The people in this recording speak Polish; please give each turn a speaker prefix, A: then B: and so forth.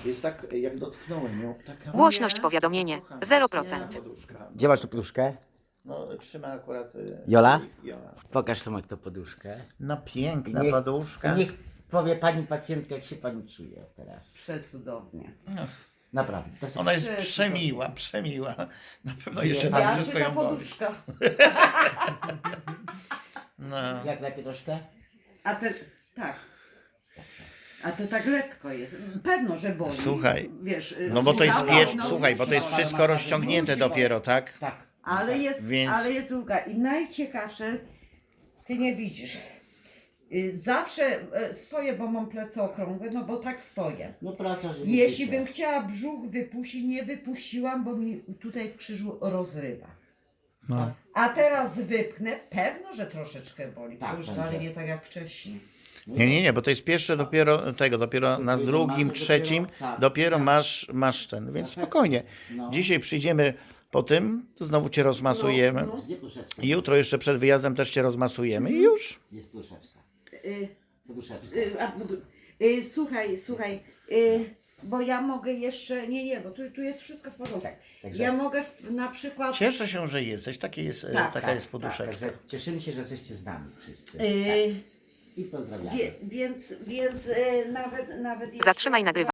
A: Jest tak, jak dotknąłem ją, taka...
B: Głośność powiadomienie
A: Kochana,
B: 0%.
A: wspaniała poduszka.
C: Gdzie masz tu poduszkę?
A: No, trzyma akurat...
C: Jola?
A: Jola.
C: Pokaż Tomek tą poduszkę.
A: No piękna
C: Niech-
A: poduszka.
C: Niech powie pani pacjentka, jak się pani czuje teraz.
D: Przecudownie.
C: Naprawdę. To jest
A: Ona jest
D: Przecudownie.
A: przemiła, przemiła. Na pewno
C: Nie,
A: jeszcze
C: ja
A: tam wszystko
D: ta
A: ją boli.
D: poduszka.
A: No.
C: Jak lepiej troszkę?
D: A te, tak. A to tak lekko jest. Pewno, że boli.
A: Słuchaj,
D: Wiesz,
A: No bo to jest
D: słuchała,
A: pierwsze,
D: no,
A: słuchaj, bo to jest
D: musi,
A: wszystko rozciągnięte dopiero, tak?
C: Tak.
D: Ale jest,
A: Więc-
D: ale jest ulga. I najciekawsze, ty nie widzisz. Zawsze stoję, bo mam plecy okrągłe, no bo tak stoję.
C: No praca, że
D: Jeśli bym chciała brzuch wypuścić, nie wypuściłam, bo mi tutaj w krzyżu rozrywa.
A: No.
D: A teraz wypchnę, pewno, że troszeczkę boli.
C: Tak,
D: To już
C: będzie.
D: ale nie tak jak wcześniej.
A: Nie, bo to jest pierwsze dopiero tego, dopiero na
C: Dopiero
A: drugim,
C: masę
A: trzecim,
C: dopiero, tak,
A: dopiero
C: tak.
A: masz ten, więc
C: Tak.
A: spokojnie.
C: No.
A: Dzisiaj przyjdziemy po tym, to znowu cię rozmasujemy.
C: Gdzie pluszeczka?
A: I jutro jeszcze przed wyjazdem też cię rozmasujemy i już.
C: Gdzie jest pluszeczka?
D: Y,
C: Poduszeczka.
D: Słuchaj, bo ja mogę jeszcze, nie, bo tu jest wszystko w porządku.
C: Także-
D: Ja mogę na przykład,
A: Cieszę się, że jesteś,
D: Tak,
A: taka jest poduszeczka.
C: Także cieszymy się, że jesteście z nami wszyscy.
D: y,
C: I pozdrawiamy.
D: więc nawet jeszcze...
B: Zatrzymaj nagrywanie.